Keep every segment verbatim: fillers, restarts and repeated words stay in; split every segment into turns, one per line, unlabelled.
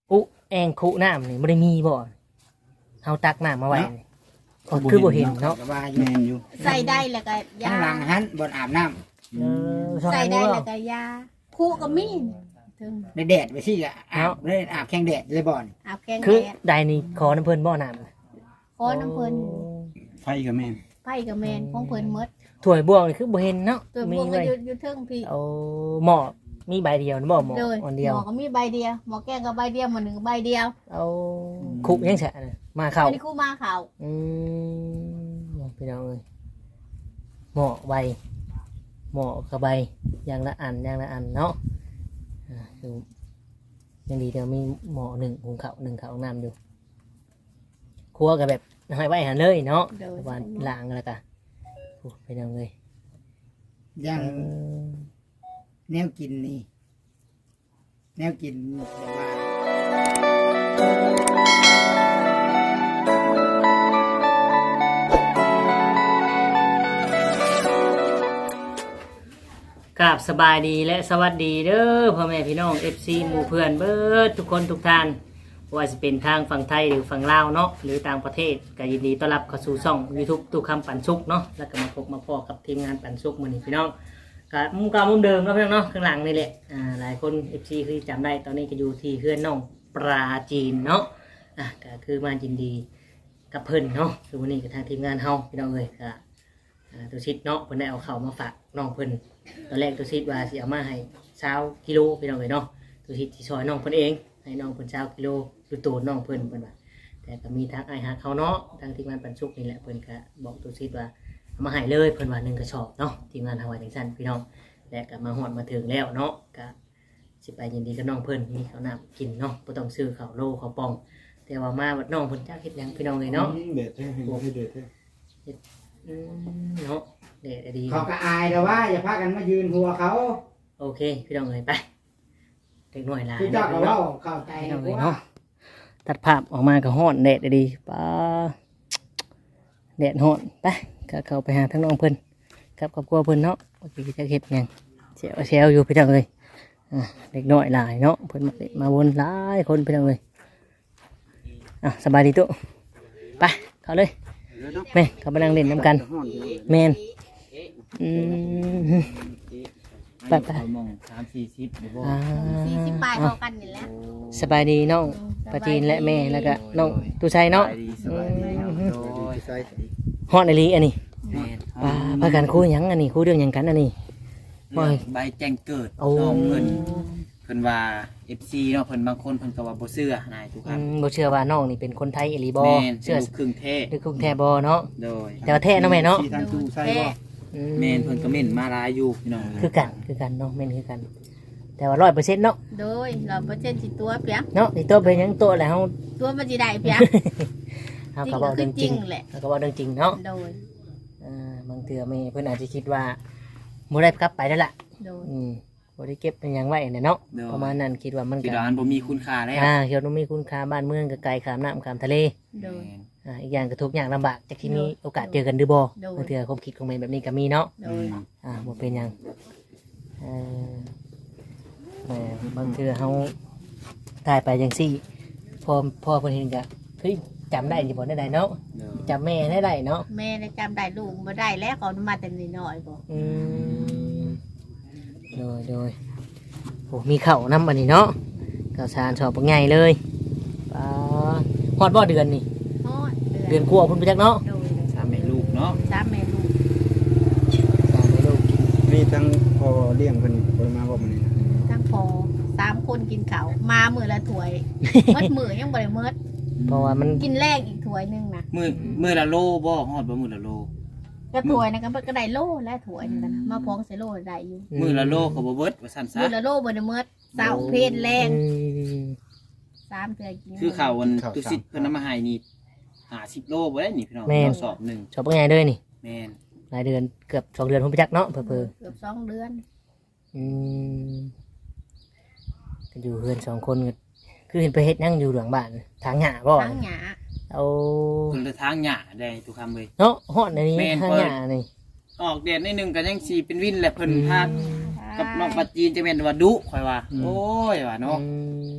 อุแองคุน้ำนี่บ่ได้มีบ่เฮาตักน้ำมาไว้นี่ก็คือบ่เห็นเนาะ
ก็ว่าอ
แม่
ยู่
นอยู่
ใส่ได้แล้วก็ยา
ข้างหลังหันบนอาบน้
เออ
ใส่ได้
บ่
แล้วก็ยาคู่ก็มีถึง
ำในแดดไปสิก็อาบเลยอาบแข้งแดดเลยบ่อน
อาบแกง
คือ
แดด
ใดนี่ขอน้ำเพิ่นบ่น้ำ
ขอน้ำเพิ่น
ไฟก็แม่น
ไผกับแมนของเพิ่นหมด
ถ้วยบ่วงนี่คือบ่เห็นเนาะ
ตัว
มี
พวกก็
ไว้
อยู่อยู่เทิงพี่
เอาหม้อมีใบเดียวนะบ่หม้อ
เลย
อันเดียว
หมอก็มีใบเดียวหมอแกงก็ใบเดียวหมอหนึ่งก็ใบเดียว
เอาคุกยังแฉะน่ะมาเข้า
อันนี้คู่มาเขา
อืมพี่น้องเอ้ยหม้อใบหม้อกับใบอย่างละอันอย่างละอันเนาะอ่าคือยังดีเดี๋ยวมีหม้อหนึ่งหุงข้าวหนึ่งข้าวน้ำอยู่ครัวกับแบบให้ไว้หันเลยเนาะ
โดย
วันล้างแล้วก็โอ้พี่น้องเอ้ย
ยัง
เออ
แนวกินนี่แนวกินแบบว่า
กราบสบายดีและสวัสดีเด้อพ่อแม่พี่น้อง เอฟ ซี หมู่เพื่อนเบิดทุกคนทุกท่านว่าจะเป็นทางฝั่งไทยหรือฝั่งลาวเนาะหรือต่างประเทศก็ยินดีต้อนรับเข้าสู่ช่อง YouTube ตู้คำปันสุกเนาะแล้วก็มาพบมาพอกับทีมงานปันสุกมื้อนี้พี่น้องก็มุมเก่ามุมเดิมเนาะพี่น้องเนาะข้างหลังนี่แหละอ่าหลายคน เอฟ ซี คือจำได้ตอนนี้ก็อยู่ที่เฮือนน้องปลาจีนเนาะอ่ะก็คือมายินดีกับเพิ่นเนาะคือวันนี้กับทางทีมงานเฮาพี่น้องเอ้ยก็อ่าตัวชิดเนาะเพิ่นได้เอาเข้าวมาฝากน้องเพิ่น ตอนแรกตัวชิดว่าสิเอามาให้เช้ากิโลพี่น้องเลยเนาะตัวชิดที่ซอยน้องเพิ่นเองให้น้องเพิ่นเช้ากิโลดูโตน้องเพิ่นเพิ่นว่าแต่ก็มีทางไอ้ฮักเขาเนาะทางทีมงานปันสุกนี่แหละเพิ่นก็บอกตัวชิดว่าเอามาให้เลยเพิ่นว่าหนึ่งกระสอบเนาะทีมงานทางวัดจังซั่นพี่น้องและก็มาฮอดมาถึงแล้วเนาะก็สิไปยินดีกับน้องเพิ่นมีข้าวน้ำกินเนาะบ่ต้องซื้อข้าวโลข้าวปองแต่ว่ามาวัดน้องเพิ่นจักเฮ็ดหยังพี่น้องเลยเนาะ
เด็ดแท้เห็นบ่ให้เด็ดแท้
อืมเนาะเด็ดดี
เขาก็อายแต่ว่าอย่าพากันมายืนหัวเขา
โอเคพี่น้องเลยไปเด็กหน่อยหลาย
คือเจ้าก็เว่าเข้าใจ
พี่น้องเลย
ว่า
เนาะตัดภาพออกมาก็ฮ้อนแดดดีป้าแดดฮ้อนไปก็เข้าไปหาทั้งน้องเพิ่นกับครอบครัวเพิ่นเนาะเมื่อกี้จะเฮ็ดหยังเซลเซลอยู่พี่น้องเลยอ่ะเด็กน้อยหลายเนาะเพิ่นมาเล่นมาวนหลายคนพี่น้องเลยอ่ะสบายดีตุ๊ไปเข้าเลยแม่เขาไปนั่งเล่นน้ำกันแมนอืมไปไป
มองสามสี่สิบบ่
อ่า
สี่สิบปลายเท่ากันนี่แหละ
สบายดีน้องปะจีนและแม่แล้วก็น้องตูชัยเนาะ
สบายดีโดย
ฮอดในลีอันนี้
แม่น
ปาพากันคุยหยังอันนี้คุยเรื่องหยังกันอันนี้
เรื่องใบแจ้งเกิด
โอ้
น้องเพิ่นเพิ่นว่า เอฟ ซี เนาะเพิ่นบางคนเพิ่นก็ว่าบ่เชื่อนายทุกค
อื
รับ
มบ่เชื่อว่าน้องนี่เป็นคนไทยอีหลีบ่
แม่น
เชื่อ
ลูกครึ่งแท้
หรือคงแท้บ่เนาะ
โดย
แต่ว่าแท้เนาะแม่เนาะ
ที่ทางตู้ใส่บ่
อื
แม่นเพิ่นก็เม่นมาหลายอยู่พี่น้อง
คือกันคือกันเนาะแม่นคือกัน แต่ว่าร้อยเปอร์เซ็นต์เนาะ
โดยเราเปอร์เซ็นต์สิตัวเปียก
เนาะนี่ตัวเป็นหยังตัวแล้วเฮา
ตัวมันสิได้เปียก
เฮาก็เว้าเรื่องจริง
จริงแหละ
เฮาก็เว้าเรื่องจริงเนาะ
โดย
อ่าบางเทื่อแม่เพิ่นอาจจะคิดว่าบ่ได้กลับไปแล้วล่ะ
โดย
อืมบ่ได้เก็บเป็นหยังไว้เนี่ยเนาะ
โดย
ประมาณนั้นคิดว่ามัน
คิด
ก็
ว่ามันบ่มีคุณค่าแล้ว
อ่าเขียวนุ่มมีคุณค่าบ้านเมืองก็ไกลขามน้ำขามทะเล
โดย
แม่น
อ่าอีกอย่างก็ทุกอย่างลำบากจากที่มีโอกาสเจอกันหรือบ่
โดย
บางเทื่อความคิดของแม่แบบนี้ก็มีเนาะ
โดย
อ่าบ่เป็นหยังเออแหม่บางเทื่อเฮาถ่ายไปจังซี่พอพอเพิ่นเห็นก็เฮ้ยจำได้อยู่บ่ได้ใดเนาะ
โดย
จำแม่ได้ใดเนาะ
แม่ได้จำได้ลูกบ่ได้แล้วเขามาแต่น้อยๆบ่
อืมโดยโดยโอ้มีข้าวนํบัดนี้เนาะข้าวสารสอบบ่ใหญ่เลยปาฮอดบ่เดือนนี่
ฮอด
เดือนกว่าพุ่นไปจักเนาะ
โดย
สามแม่ลูกเนาะ
สามแม่ลูก
สามลูก
มีทั้งพอเลี้ยงเพิ่นบ่มาบ่มื้อนี้
ทั้งพอสามคนกินข้าวมามื้อละถ้วยหมดมื้อยังบ่ได้หมด
เพราะว่ามัน
กินแรกอีกถ้วยหนึงนะ
มื้อมื้อละโลบ่ฮอดบ่มื้อละโล
ก็ถ้วยนะก็ก็ได้โลและถ้วยนึงกันนะมาพร้องใส่โลได้อยู่
มื้อละโลก็บ่เบิดว่าซั่นซะ
มื้อละโลบ่ได้หมดเช้าเพลแรง
อืม
สามเทื่อกิน
คือข่าววันตุสิตเพิ่นนำมาให้นี่ห้าสิบโลบ่ได้นี่พี่น้องเราสอบหนึ่ง
ชอบเป็นไงเด้อนี่
แม่น
รายเดือนเกือบสองเดือนพุ่นไปจักเนาะเพิ่อ
เกือบสองเดือน
ๆอืมก็อยู่เพื่อนสองคนก็คือเห็นไปเฮ็ดนั่งอยู่หลังบ้านทางหญ้าบ่
ทั้งหยา
เอา
เพิ่นละทางหญ้าได้ทุกคำเลย
เนาะฮอดในนี้
แม่น
ทางหญ้านี่
ออกแดดนิดนึงก็ยังสิเป็นวินแหละเพิ่นพา
อืม
กับน้องปัจจีนจะแม่นว่าดุข่อยว่าโอ้ยว่าเนาะ
อืม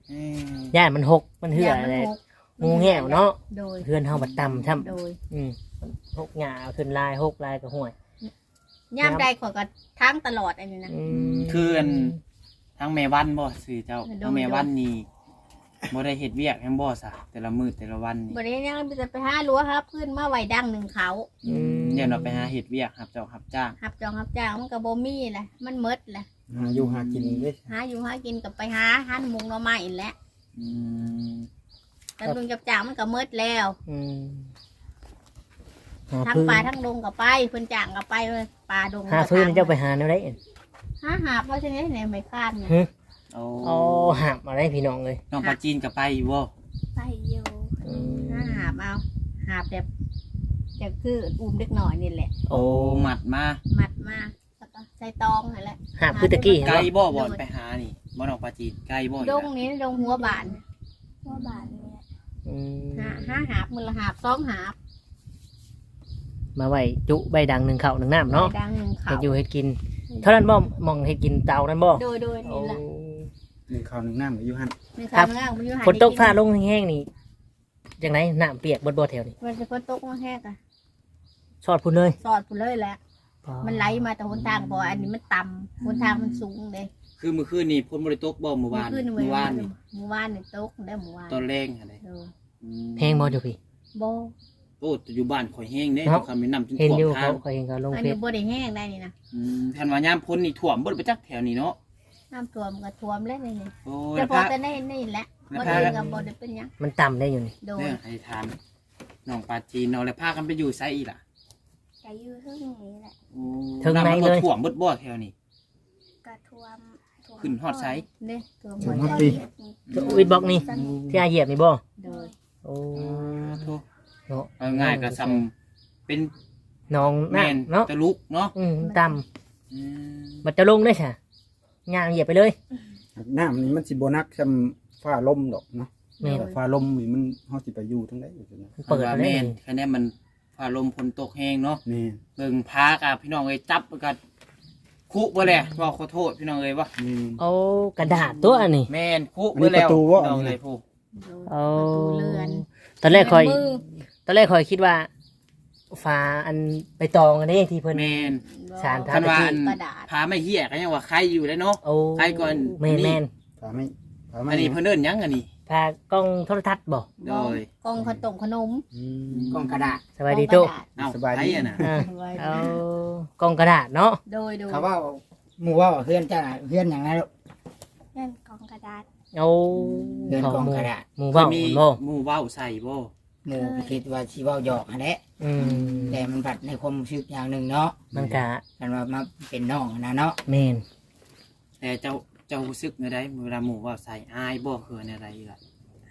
เอ้ย
ย่านมันหกมันเหื่ออะไร
ย่างมันหก
งูแง่วเนาะ
โดย
เพื่อนเฮาบัดต่ำช่
โดย
ำอืมมันหกหญ้าขึ้นลายหกลายก็ห่วย
ย่ามใดขอยก็ทั้งตลอดอันนี้นะ
อืม
คืออันทั้งแม่วันบ่สื่อเจ้า
โดย
ทั้งแม่วันนี่บ่ได้เฮ็ดเวียกให้บ่ซะแต่ละมื้อแต่ละวันนี่
บ่ได้ยังจะไปหารั้วครับพื้นมาไว้ดังหนึ่งเขา
อืม
เนี่ยเราไปหาเฮ็ดเวียกครับเจ้าครับจ้าง
หับจองหับจ้างมันก็บ่มีแหละมันหมดแหละ
หาอยู่หากินเด้
หาอยู่หากินกับไปหาหันมุงหน่อไม้อีกแหล้ว
อืม
แต่ลุงจับจ้างมันก็หมดแล้ว
อืมหา
ทั้ง
พื้น
ปลาทั้งลงกับไปเพิ่นจ้างกับไปเลยปลาดง
หาพื้นเจ้าไปหาแนวได
หาหาเพราะฉะนั้นเนี่ยไม่คาดเนี่ย
ฮึ
โอ้
อ๋อหาบมาได้พี่น้องเลย
น้องปลาจีนก็ไปอยู่บ่
ไปอยู่
อืม
หาหาบเอาหาบแบบจะคืออุ้มเล็กหน่อยนี่แหละ
โอ้หมัดมา
มัดมาแล้วก็ใส่ตองนั่นแหละ
หาบคือตะกี้
ไกล
เห็น
บ่
บ่
บ่อนไปหานี่บ่น้องปลาจีนไกลบ่
ดงนี้ดงหัวบานหัวบานเนี่ย
อืม
หาหาหาบมือละหาบสองหาบ
มาไว้จุใบดังหนึ่งเข่าหนึ่งน้ำเนาะ
ไปดังหนึ่งเขา
เฮ็ดอยู่เฮ็ดกิน เท่านั้นบ่มองเฮ็ดกินเตานั้นบ่
โดยโดย
โอ้
นี่แหละ
หนึ่งข้าวหนึ่งน้ำก็อยู่หั่น
หนึ่งเขาหนึ่งอ่างมันอยู่หา
ฝนตก
ได้
ฟ้าลงแห้งๆนี่จังไดน้ำเปียกเบิดบ่แถวนี้
มันจะฝนตกมาแห้งอะ
ชอดพุ่นเลย
สอดพุ่นเลยแหละมันไหลมาแต่หนทางบ่อันนี้มันต่ำหนทางมันสูงเลย
คือมื้อคืนนี่ฝนบ่ได้ตกบ่เมื่อวาน
ขึ้น
เมื่อวานนี่
เมื่อวานนี่ตกได้เมื่อวาน
ตอนแรงอะไร
เออ
อืม
แห้งบ่อยู่พี่
บ่
โอ้แต่อยู่บ้านข่อยแห้งเด้
เนาะ
คำแนะนำจน
เห็น
ท่วม
อยู่
ทา
เขา
ง
เขาเห็นเขาลง
อัน
เฟ
นี้
ซ
บ่ได้แห้งได้นี่นะ
อืมคันว่ายามพ้นนี่ท่วมบ่ได้ไปจักแถวนี้เนาะ
น้ำท่วมก็ท่วมแล้วนี่นี่
โอ้ย
แต่พอ
พระ
แต่ได้นี่แหละ
แล้ว
บ่
พา
ได้ก็บ่ได้เป็นหยัง
มันต่ำได้อยู่นี่
โดย
เนี่ยให้ถามน้องปลาจีนเนาะแล้วพากันไปอยู่ไสอีกล่ะ
ก็อยู่เท่านี้แหละ
โอ้
ถึงไหน
ำมั
เลย
ท่วมเบิดบ่แถวนี้
กระท่วมท่วม
ขึ้นฮอดไส
เด้ท่วม
ถึ
บ่
ง
ได้
ฮอดปี
วิดบล็อกนี่ที่อาเหยียบนี่บ่
โดย
โอ้
โทษ
เนาะ
เอาง่ายก็ซ้ำเป็น
น้อง
แม่น
น้ำเนาะ
ตะลุกเนาะ
อืมต่
อืม
ำมันจะลงได้ใช่ย่างเหยียบไปเลย
น้ำนี่มันสิบ่นักซำฟ้าลมดอกเนาะ
แม่น
ฟ้าลมนี่มันเฮาสิไปอยู่ทั้งใดอยู่ซั่นนะ
มันเปิด
ว่า
ไปเล
แม่
ย
นคะแนนมันฟ้าลมฝนตกแห้งเนาะ
แม่น
เบิ่งพากับพี่น้องเอ้ยจับกันคุบ่แหละว่าขอโทษพี่น้องเอ้ยว่า
แม่น
เอากระดาษตัวอันนี้
แม่นคุ
อันนี้
บ่แล้ว
ประตูวะ
พี่น้องเอ้ยผู้
โดย
เอา
ประตูเรือน
ตอนแรกคอย
มือ
ตอนแรกคอยคิดว่าฟ้าอันไปตองอันนี้ที่เพิ่น
แม่น
สาร
คันว่าอัน
กระดาษ
พาไม่เหี้ยก็ยังว่าใครอยู่ได้เนาะ
โอ้
ใครก่อน
แม่นแม่น
ฟ้าไม่ฟ้าไม่
อันนี้เพิ่นเอิ้นหยังอันนี้
พากล้องโทรทัศน์บ่
โดย
กองขนมขนม
อืมกล่องกระดาษ
สบายดีโต
กองกระดาษ
เอ้า
สบายดี
ใครอ่ะน่ะ
อ่า
ไว้
เอากล้องกระดาษเนาะ
โดยโดย
เขาว่าหมู่ว่าเฮือนจ้าเฮือนหยังไงลูก
เล่นกองกระดาษ
เอา
เฮือนกล่องกระดาษ
หมูเบ้า
มี
บ่
หมู่เว้าใส่บ่
หมู่ก็คิดว่าสิเว้าหยอกหั่นแหละ
อืม
แต่มันบัดในความรู้สึกอย่างหนึงเนาะ
มันกะ
กันว่ามาเป็นน้องนะเนาะ
แม่น
แต่เจ้าเจ้ารู้สึกในใดเวลาหมู่เว้าใส่อายบ่เขินอะไรล่ะ
ให้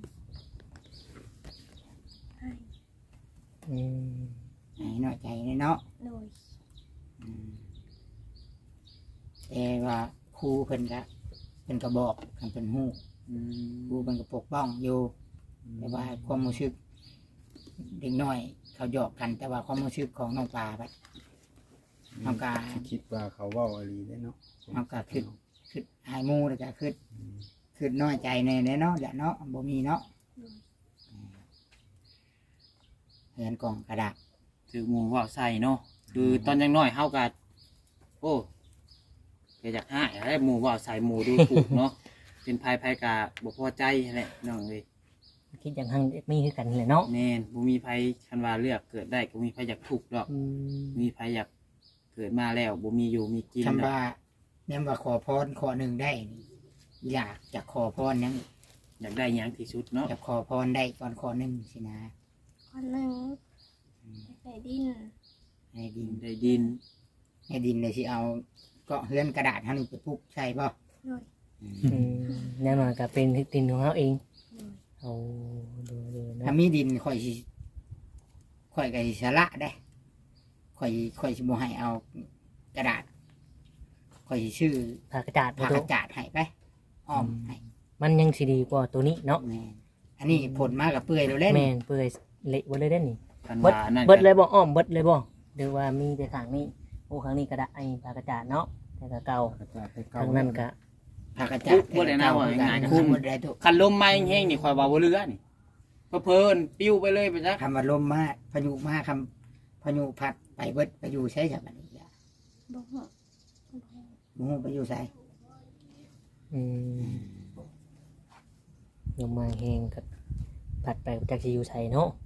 อืม
ให้น้อยใจเนาะ
โดย
อืมแต่ว่าครูเพิ่นก็เพิ่นก็บอกกันเป็นฮู้
อืม
ครูเพิ่นก็ปกป้องอยู่ แต่ว่าความรู้สึกเด็กน้อย เขาหยอกกัน แต่ว่าความรู้สึกของน้องปลาไปน้องกา
คิดว่าเขาเว่าอะไรได้เนาะ
น้องกาคือคือหายหมูแล้วก็คือคือน้อยใจในในเนาะอย่าเนาะบ่มีเนาะเห็นกล่องกระดาษ
ถือหมู่เว้าใส่เนาะคือตอนยังน้อยเฮาก็โอ้ก็อยากหายให้หมู่เว้าใส่หมู่ดูถูกเนาะ เป็นภัยภัยกะบ่พอใจแหละน้องเอ้ย
คิดอย่างหังมีคือกันแหละเนาะ
แน่นบ่มีภัยคันว่าเลือกเกิดได้ก็มีภัยอยากทุกข์ดอก
อืม
มีภัยอยากเกิดมาแล้วบ่มีอยู่มีกิน
คำ
ดอก
ว่าเนี่ยว่าขอพรขอหนึ่งได้นี่อยากจะขอพรยัง
อยากได้หยังที่สุดเนาะ
อยากขอพรได้ก่อนขอหนึ่งสินะ
คนหนึ่งไปดิน
ในดิน
ได้ดิน
ในดินเลยสิเอาก็เฮือนกระดาษท่านไปปุ๊บใช่ป่ะ
โดย
อืมแน่นอนก็เป็นดินของเขาเองเอาดูดูนะ
ถ้ามีดินข่อยสิข่อยก็สิสละได้ข่อยข่อยสิบ่ให้เอากระดาษข่อยสิชื่อ
ผ้ากระจาด
ผ้า
บ่
ก
โต
ระจาดให้ไปอ้อมให้
มันยังสิดีกว่าตัวนี้เนาะ
แม่นอันนี้ผลมากับเปื่อยแล้วเล่น
แม่นเปื่อยเละบ่เลยได้อนี่
คัน
เบิด
ว่านั่น
เบิด
ก็
เลยบ่อ้อมเบิดเลยบ่หรือว่ามีแต่ข้างนี้โอ้ข้างนี้ก็ได้ไอ้ผ้ากระจาดเนาะแต่ก็เก่า
กระจาดไปเก่า
ทางนั้นก็
พากระจัด
บ่ได้นะว่าง่ายๆก็
คุ
คือ
มหมดได้ทุก
คันลมมาแห้งๆนี่ข่อยว่าบ่เรือนี่เพอเพิ่นปิ้วไปเลยไปจัก
คำว่าลมมาพายุมาคำพายุพัดไปเบิดไปอยู่ใช้จากอันนี้จ้ะ
บ่ฮู้
หมูไปอยู่ใส่
อืมลมมาแห้งก็ผัดไปจากสิอยู่ไสเนาะ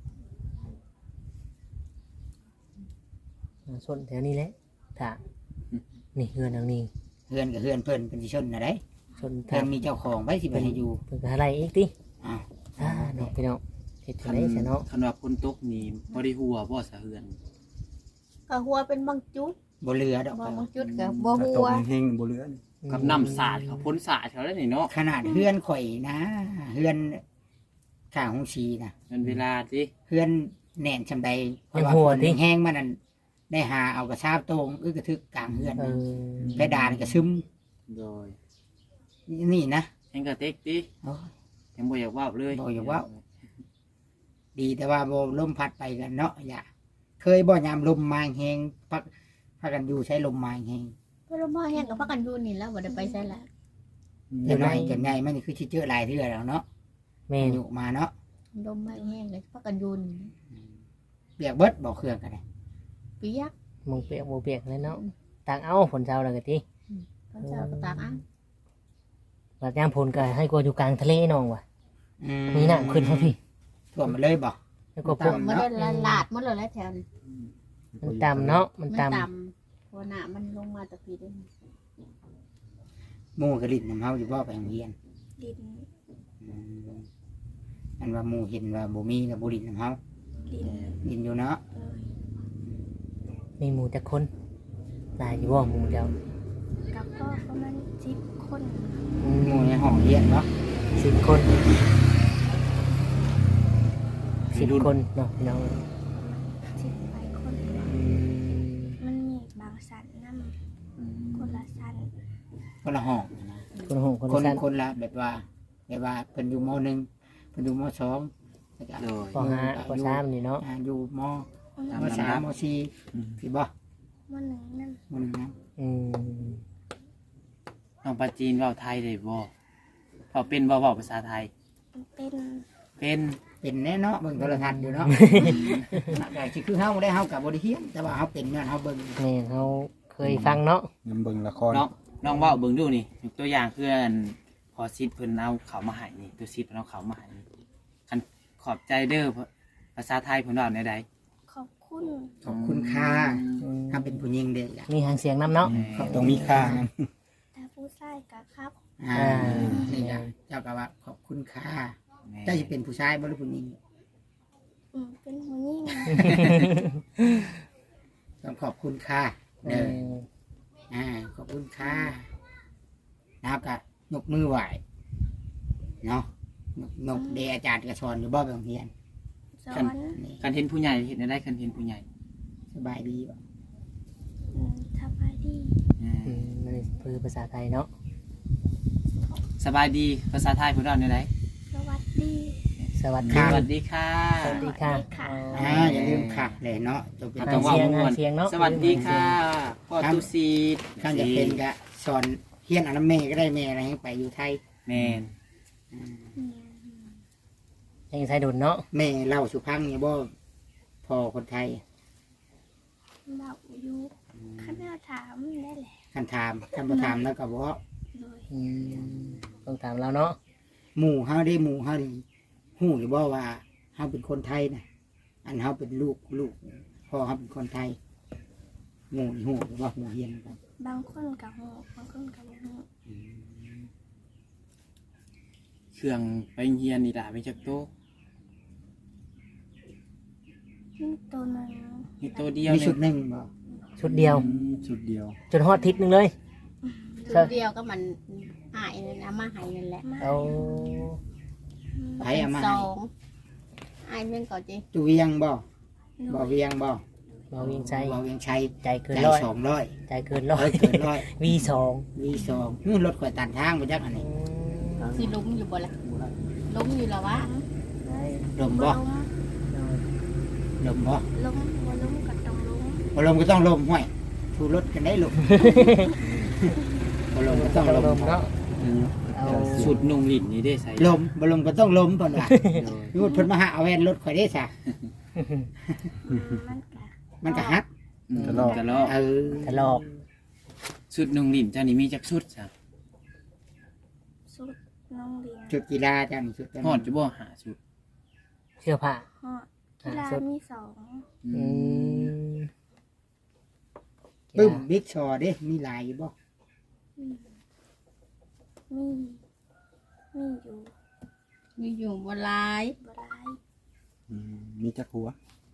อ่าส่วนแถวนี้แหละถ้านี่เฮือนหลังนี้
เฮือนกับเฮือนเพิ่นเป็นสิชนนะได้
ส่วน
เพิ่
ทาง
นมีเจ้าของไว้สิไปให้อยู่
เพิ่นก็หาอะไรอีกติ
อ้าว
อ่าเนาะพี่น้องเฮ็ดจังได๋ซะเนาะ
คันว่าฝนตกนี่บ่ได้หัวบ่สะเฮือน
ก็หัวเป็นบางจุด
บ่เรือดอก
บางจุดก็บ่
กระ
หั
ตก
ว
แห้งๆบ่เหลือนี่
กับน้ำสาดเขาพ้นสาดเขาแล้วนี่เนาะ
ขนาดเฮือนข่อยนะเฮือนข้างหงชีนะ
มันเวลาสิ
เฮือนแน่นชำใดเพ
ยัง
ราะว่า
หัว
ฝน
ติ
แห้งๆมันนั่นได้หาเอากระซาบโตรงอึกกระทึกกลางเฮือน
เออ
เพดานก็ซึม
โดย
นี่นะ
แห้งกระเต็กติ
โอ้ย
ยังบ่อยากว่าวเลย
บ่อยากว่าว ดีแต่ว่าบ่ลมพัดไปกันเนาะอย่าเคยบ่ยามลมมาแห้งพักพักกันอยู่ใช้ลมมาแห้ง
เพิ่นบ่แห้งก็พักกันอยู่นี่แล้วบ่ได้ไปไสละ
เดี๋ยวน้อยจนใหญ่มันนี่คือสิเจอหลายเทื่อแล้วเนาะ
แม่น
อยู่มาเนาะ
ลมมาแห้งก็พักกันอยู่นี่
เปียกเบิดบ่เครื่องกันเลย
เปียก
มงเปียกบ่เปียกเลยเนาะตางเอาฝนเช้าแล้วก็ติ
ตอนเช้าก็ตากอ่ะ
บัดยามฝนก็ให้กลัวอยู่กลางทะเลน้องว่ะ
อื
มีน้ำขึ้นมาพี่
ท่วมมาเลยบ่
แล้วก็พวก
มันได้ละลาดหมดเลยแล้วแถวนี้
มันต่ำเนาะมัน
มัน
ต่ำ
ต่ำเพราะน้ำมันลงมาแตะปีเด้อ
หมู่กระลิ่นน้ำเฮาอยู่บ่ไปโรงเรียน
ดิน
อืมอันว่าหมู่เห็นว่าบ่มีแล้วบ่ลิ่นน้ำเฮา
ดิน
ลิ่นอยู่เนาะ
เออ
มีหมู่จักคนหลายอยู่บ่หมู่เจ้า
กับก็ประมาณสิบคน
อืม
หมู่ในห้องเรียนเนาะ
สิบคนสิบคนเนาะพี่น้อง
สิบไปคน
อืม
มันมีบางสันน้ำคนละสัน
คนละห้องนะ
คนห้องคน
คน
สั้น
คนละแบบว่าแบบว่าเพิ่นอยู่มหนึ่งเพิ่นอยู่มสองแล้วก็
โดย
ปห้าปสามนี่เนาะ
อ่าอยู่ม
ตาม
ม
ลำดับ
สามมสี่สิบ่
มันหนึ่งนั่น
มหนึ่งนะ
อืม
น้องปลาจีนเว้าไทยได้บ่เว้าเป็นบ่เว้าภาษาไทย
มันเป็น
เป็น
เป็นแน่เนาะเบิ่งโทรทัศน์อยู่เนาะ แต่สิคือเฮาได้เฮากับบ่ได้เฮียนแต่ว่าเฮาเป็นเนี่ยเฮาเบิ่ง
แม่นเขาเคยฟังเนาะ
น้ำเบิ่งละคร
น้องน้องเว้าเบิ่งดูนี่ยกตัวอย่างคืออันพอซิดเพิ่นเอาเขามาให้นี่ตัวซิดเพิ่นเอาเขามาให้นี่คันขอบใจเด้อภาษาไทยเพิ่นเว้าในใด
ขอบคุณ
ขอบคุณค่า
อืม
ถ้าเป็นผู้หญิงเด้อล่ะ
มีหางเสียงน้ำเนาะ
ต้องมีค่านะ
แต่ผู้ชายกับครับ
อ่า
อ่า
นี่จ้ะเจ้าก็ว่าขอบคุณค่า
แม่
เจ้าสิเป็นผู้ชายบ่หรือผู้หญิง
อืมเป็นหัวยิ่ง
ต้องขอบคุณค่า
เอ
เด้อ
อ
อ่าขอบคุณค่าแล้วก็ยกมือไหว้เนาะนกนกเดอาจารย์ก็สอนอยู่บ่ไปโรงเรียน
สอน
นี่
คันเห็นผู้ใหญ่เห็นได้คันเห็นผู้ใหญ่
สบายดีบ่
อืมสบายดี
อ่า
อืมมันคือภาษาไทยเนาะ
สบายดีภาษาไทยเพิ่นเว้าในใด
สวัสดี
สวัส
ส
ดี
วัสดีค่ะ
สวัสดีค่ะ
อ่าอย่าลืมค่ะเลยเนาะจะเป็น
เรา
อ่า
ต้องเว่า
เสียง
ม่วน
อ่าเสียงเนาะ
สวัสดีค่ะพ่อตุซีด
ข้างจะเป็นก็สอนเฮียนอันน้ำแม่ก็ได้แม่อะไรให้ไปอยู่ไทย
แมน
อืม
อืม
ยังใช้ดุนเนาะ
แม่เล่าสุพังเนี่ยบ่พอคนไทย
เบาอยู่ข้าแม่ถามได้แหละ
คันถามคันบ่ถามแล้วก็บ่
เลย
อืมต้องถามเราเนาะ
หมู่เฮาได้หมู่เฮานี่ฮู้หรือบ่ว่าเฮาเป็นคนไทยนะอันเฮาเป็นลูกลูกพ่อเฮาเป็นคนไทยหมู่นี่ฮู้หรือว่าหมู่เฮียนกัน
บางคนกับหูบางคนกับหู
เครื่องไปเฮียนนี่ล่ะไปจักโตะ
นี่ตัวหนึ่ง
มีโตะเดียว
มี
ห
ชุ
นึ
ด
ง
หนึงบ่
ชุดเดียว
อืมชุดเดียว
จนฮอดทิศหนึงเลย
ตัวเดียวก็มันหายเลยนะมาหายนั่นแหละ
มา
เอา
ไผเอามา
ส
ให้
องหายเรื่องก่อนจี
ตุเวียงบ่
หนู
บ่เวียงบ่
เราเวียงใจ
บ่เวียงชัย
ใจเกิน
ใจ
ร้อย
สองร้อย
ใจเกินร้อย
เอ้ยเกินร้อย
วีสอง
วีสองนี่รถข่อยตันทางบ่จักอันนี้
สิลุ้มอยู่บ่ละลุ้มอยู่แล้ววะ
ลมบ่
ล้ม
ลมบ่
ล้มบ่ล้มกับต้องล้ม
บ่ลมก็ต้องลมห้วยถูรถกันได้ลม บ่ลมก็ต้องลม
ลมเนาะ
อ
เอา
สุดนุ่งลิ้นนี่ได้ใส่
ลมบ่ลมก็ต้องลมเพิ่นว่า
โดย
พูดเพิ่นมาหาเอาแว่นรถข่อยได้ซะ
อืมมันกะ
มันก็ฮัก
อืม
กระลอก
กระลอก
เออ
ทะลอก
สุดนุ่งลิ้นเจ้านี่มีจักสุดจ้ะ
สุดน้องเรียน
ชุดกีฬาจังชุดจัง
ฮอดจะบ่หาสุด
เสื้อผ้า
ฮอดกีฬามีสอง
อืม
ปึ้มบิ๊กชอเด้มีหลายอยู่บ่
อืมมีมีอยู่
มีอยู่บนลาย
บ่หลาย
อืมมีจักหัว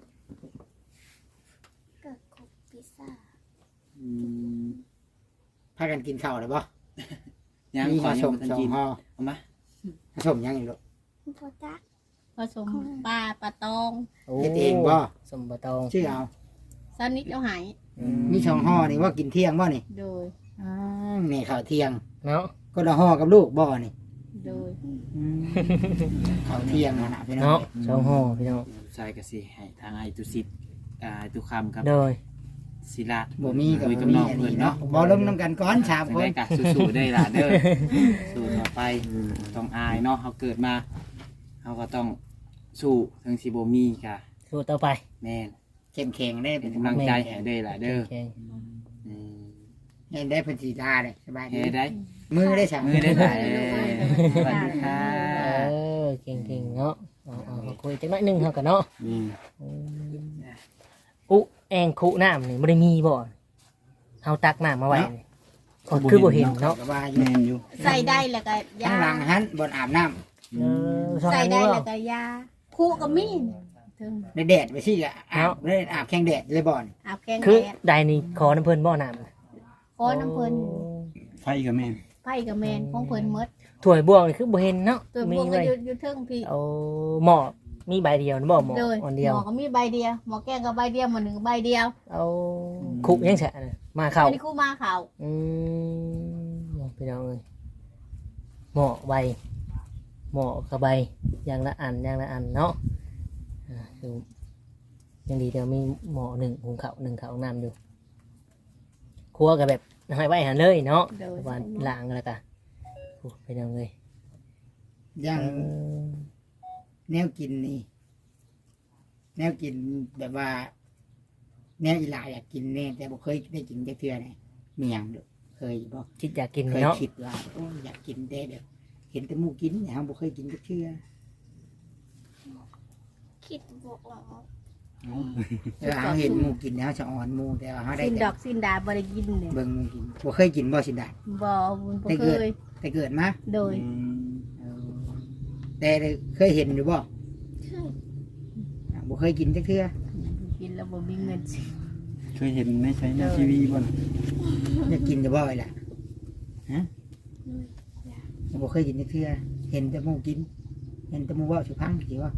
เกิดครบพิซซ่า
อืม
พากันกินข้าวเลยบ่
ยัง
มี
ขอ
มา
ยั
ส่
ง
ง
บ่ทัน
สอ
กิ
ง
น
ห่อ
เอามา
มาส่งยังอีกลูก
พอจัก
ผสมปลาปลาตอง
โอ้
เฮ็ดเองบ่
สมบัตอง
ชื่อเอา
สนิทเอาหาย
อื
มีสองห่อนี่ว่ากินเที่ยงบ่นี่
โดย
อ้าวนี่ข้าวเที่ยง
เนาะ
ก็ละห่อกับลูกบ่นี่
โดย
อืมข้าวเที่ยงนั่นน่ะพี่น้อ
เนาะ
ง
สองห่อพี่น้อง
ใส่ก็สิให้ทางไอ้ตุสิทธิ์อ่าไอ้ตุคำครับ
โดย
ศิลา
บ่มีกับ
คุย
บ่
กับ
มี
น้อง
อัน
เพิ่
นี้
น
เนาะ
เนาะ
บ่ลงนํกันก่อนสามคน
ได้กะสู้ๆได้ล่ะเด้อ สู้ต่อไปต้องอายเนาะเฮาเกิดมาเฮาก็ต้องสู้ถึงสิบ่มีกะ
สู้ต่อไป
แม่น
เข้มแข็งได้
เป็นกำลังใจให้ได้ล่ะเด้อ
แข็ง
อืม
ให้ได้เพิ่นสิลาได้สบายดี
เฮ็ดได้
มือได้สั่ง
มือได้หลายเด้อสวัสดีค่ะ
เออเก่งๆเนาะเอาเอาเอาคุยจักหน่อยหนึงเฮากันเนาะ
นี่
อืมอุแองคุน้ำนี่บ่ได้มีบ่เฮาตักน้ำมาไว้นี่ก็คือบ่เห็นเนาะ
ก็ว่าอยู่
แม่นอยู่
ใส่ได้แล้วก็
ข้าย
าง
หลังหันบนอาบน้ำ
เออช่อง
ใส่
อัน
ได้
นี้
แล้ว
บ่
ก็ยาคู่กับมีดถึง
ในแดดไปสิละอาบได้อาบแข้งแดดเลยบ่อน
อาบแกง
คือ
แดด
ใดนี่ขอน้ำเพิ่นบ่น้ำ
ขอน้ำเพิ่น
ไฟกับแม่น
ไผ่กับแมนของเพิ่นหมด
ถ้วยบวงนี่คือบ่เห็นเนาะ
ตัว
มี
พวกก็
ไว้
อยู่อยู่เทิงพี่
เอาหมอมีใบเดียวนะบ่หมอ
โดย
อัน
ห
เดียว
มอก็มีใบเดียวหมอแกงก็ใบเดียวหมอหนึ่งก็ใบเดียว
เอาคุกยังแฉะน่ะมาเข้า
อันนี้คู่มาเขา
อืมไปเอาเลยหมอใบหมอกับใบอย่างละอันอย่างละอันเนาะอ่าคือยังดีเดี๋ยวมีหมอหนึ่งหุงข้าวหนึ่งข้าวน้ำอยู่ครัวกับแบบให้ไว้หันเลยเนาะ
โดย
วันล้างแล้วกันไปเอาเลย
ยัง
เออ
แนวกินนี่ แนวกินแบบว่า แนวอีหลาอยากกินแน่แต่บ่เคยได้กินจักเทื่อไหนมีหยังเด้อเคยบ่
คิดอยากกิน
เคย
เนาะ
คิดว่าโอ้ยอยากกินแต่แบบเห็นแต่หมู่กินเนี่ยเราบ่เคยกินจักเทื่อ
คิดบวกออก
แต่ว่าเราเห็นหมู่กินแล้วจะอ่อนหมู่แต่ว่าเราได้
สิน
แต่
ดอกสินดาบ่ได้กินเนี่ย
เบิ่งหมู่กินบ่เคยกินบ่สินดา
บ่บุญบ่
ได้
เค
เกิด
ย
แต่เกิดมา
โดย
อืม
เออแต่เคยเห็นอยู่บ่
ใช่
อ่ะบ่เคยกินจักเทื่อ
กินแล้วบ่มีเงินซื้อ
เคยเห็นในใช้ในทีวีบ่น่ะ
อยากกินจะบ่อยล่ะ
เลย
บ่เคยกินจักเทื่อเห็นแต่หมู่กิน เห็นแต่หมู่เว้าสิพังสิว่า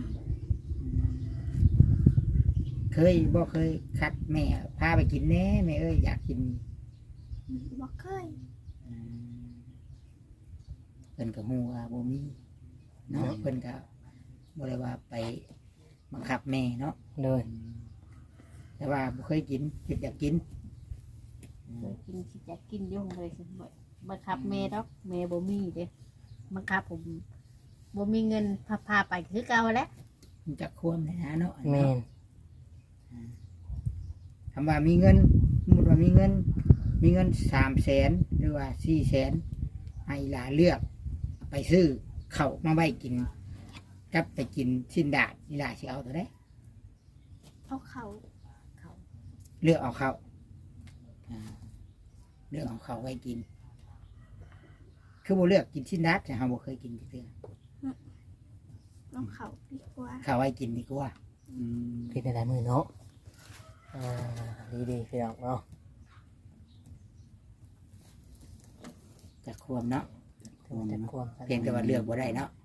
เคยบ่เคยคัดแม่พาไปกินแหน่แม่เอ้ยอยากกิน
บอกเคย
อืมเพิ่นก็ฮู้ว่าบ่มีเนาะเพิ่นก็บ่ได้ว่าไปบังคับแม่เนาะ
เลย
แต่ว่าบ่เคยกินคิดอยากกิน
เคยกินสิจะกินอยู่เลยสิบ่บังคับแม่ดอกแม่บ่มีเด้บังคับผมบ่มีเงินพาพาไปคือเก่าแหล้ว
มันจักควมเลยนะเนาะ
แมน
คำว่ามีเงินสมมุติว่ามีเงิน มีเงินสามแสนหรือว่าสี่แสนให้หลานเลือก ไปซื้อข้าวมาไว้กินกับไปกินชิ้นดาดนี่หลานสิเอาตัวใด
เอาเขา
เลือกเอาข้าวอ่าเลือกเอาข้าวไว้กิน คือบ่เลือกกินชิ้นดาดแต่เราบ่เคยกินจักเทื่อ
เอาเขาดีกว่า
ข้าวไว้กินดีกว่า
อืม
คิดในหลายมือเนาะอ่าดีดีๆพี่น้องเนาะ
จักควมเนาะ
ถึงจะควม
เพียงแต่ว่าเลือกบ่ได้เนาะ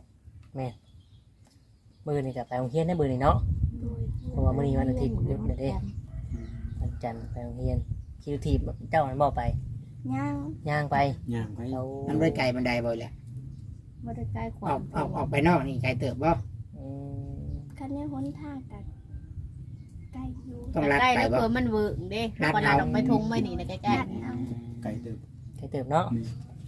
มือนี่กับไปโรงเรียนได้มือนี่เนาะ
โดย
เพราะว่ามื้อนี้วันอาทิตย์หยุดเด้วันจันทร์ไปโรงเรียนคิวทีบเจ้ามันบอกไป
ย่าง
ย่างไป
ย่างไป
เรา
มันไว้ไกลบันไดบ่แหละ
บ่ได้ใกล้ควา
ออ
ม
กออกออกไปนอกนี่ไกลเติบบ่
อืม
คันนี้หนทางกันไกลอยู่
ต้องรัด
ใกล้
ไป
แล้ว
บ่
เผื่อมันเวิร์กเด้
รัด
พอเรา
เอา
ออกไปทงไม่นี่นะใกล้
กัดเอา
ไก่เติบ
ใครเติบเนาะ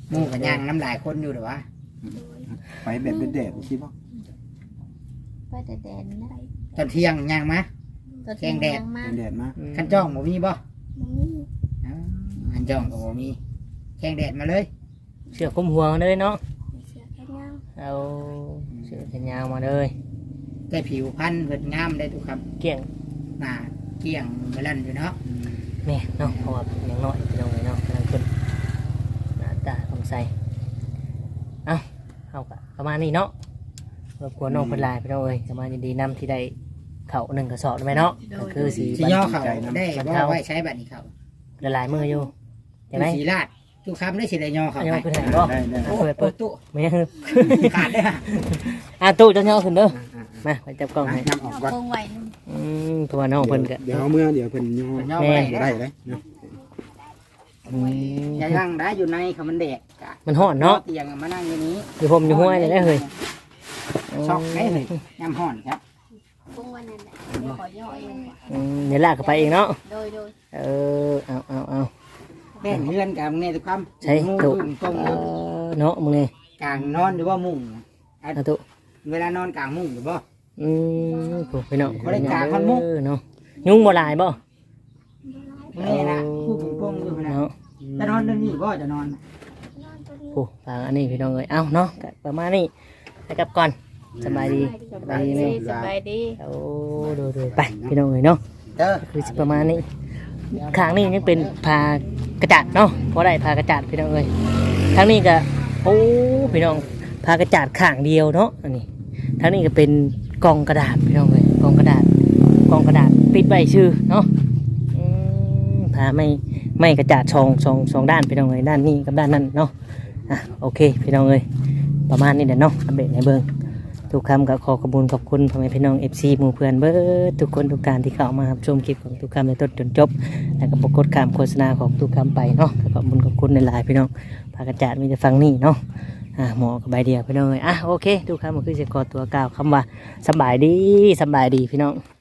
หมู่กันย่างน้ำลายคนอยู่หรือวะ
โดย
ไปแบบแดดๆสิบ่
ไปแต่แดนนะ
ตอนเที่ยงย่างมา
ตัว
แกงแดด
ยังมาก
แดดมา
คันจ้องบ่มีบ่
บ่มี
อ้าวคันจ้องก็บ่มีแข่งแดดมาเลย
เชือกคลุมหัวเลยเนาะ
มีเสื้อแขนยาว
เอาเชือกแขนยาวมาเลย
แต่ผิวพรรณเพิ่นงามได้ทุกครับ
เกี่ยง
หน้าเกลี้ยงเมลันอยู่เนาะ
แม่เนาะเพราะว่าอย่างน้อยพี่น้องเลยเนาะกำลังขึ้นหน้าตาของใสเอ้าเอากะประมาณนี้เนาะรบกวนน้องเพิ่นหลายพี่น้องเอ้ยจะมายินดีนำที่ได้เข่าหนึ่งกระสอบได้ไหมเนาะก็คือสี
สิย่อเขาได้บ่ไว้ใช้บัดนี้เขา
ละลายมืออยู่เห็นไหม
สีลาดทุกคำได้สิได้ย่อเขา
อันนี้
ไป
มันคือแหงบ่
ได้ได้
โอ้
เปิดเปิด
ตู้
ไม่ยัง
ขาดได้ฮะ
อ่ะตู้จะย่อขึ้นเด้อมาไปจับกล้องให้
นำออกก่อน
เบิ่งไว้นึง
อืมตัวน้องเพิ่นก็
เดี๋ยวเอาเมื่อเดี๋ยวเพิ่นย่อ
ย่อ
แม่
ไป
ได้
ได้
เลยเนาะ
อืม
อย่านั่งได้อยู่ในเขามันแดดกะ
มันฮ้อนเนาะ
เตียงมานั่งอยู่นี้
อยู่ผมอยู่ห้วยเลยได้เฮ้ย
ช็อกได้เลยยำห่อนครับ
เบิ่งไว้นั่นแหละเดี๋ยวขอย่อเอง
อืมเดี๋ยวลากเข้าไปเองเนาะ
โดยโดย
เออเอาเอาเอา
แม่นเฮือนกับมึงเนี่ยทุกคำ
ใช่
มุ้ง
ตู้
ตุ้งตรง
เออเนาะมึงนี่
กลางนอนหรือว่ามุ้ง
เอาตู้
เวลานอนกลางมุ้งหรือบ่
อืมโหพี่น้อง
บ่ได้กางคนมุก
เออเนาะยุงบ่หลายบ่
มึงนี่นะผู้ปงปงอยู่นะ
เนาะ
จะนอนเรื่องนี้บ่จะนอน
นอนตัวนี้
โอ้ฟังอันนี้พี่น้องเอ้ยเอ้าเนาะก็ประมาณนี้ไปกลับก่อนสบายดี
สบายดีสบายดี
โอ้ดูดูไปพี่น้องเอ้ยเนาะ
เด้อ
คือสิประมาณนี้ข้างนี้ยังเป็นพากระจาดเนาะเพราะได้พากระจาดพี่น้องเอ้ยทางนี้ก็โอ้พี่น้องพากระจาดข้างเดียวเนาะอันนี้ทางนี้ก็เป็นกล่องกระดาษพี่น้องเอ้ยกล่องกระดาษกล่องกระดาษปิดไว้ชื่อเนาะอืมพาไม่ไม่กระจาดสองสองสองด้านพี่น้องเอ้ยด้านนี้กับด้านนั้นเนาะอ่ะโอเคพี่น้องเอ้ยประมาณนี้เดี๋ยวเนาะอัปเดตในเบิ้งทุกคำก็ขอขอบคุณขอบคุณพ่อแม่พี่น้องเอฟซีหมู่เพื่อนเบิร์ทุกคนทุกการที่เข้ามารับชมคลิปของทุกคำในต้นจนจบ แล้วก็ปรากฏคำโฆษณาของทุกคำไปเนาะขอบคุณขอบคุณในหลายๆพี่น้องพากระจาดมีแต่ฟังนี่เนาะอ่าหมอกับใบเดียวพี่น้องเอ้ยอ่ะโอเคทุกคำก็คือจะขอตัวกล่าวคำว่าสบายดีสบายดีพี่น้อง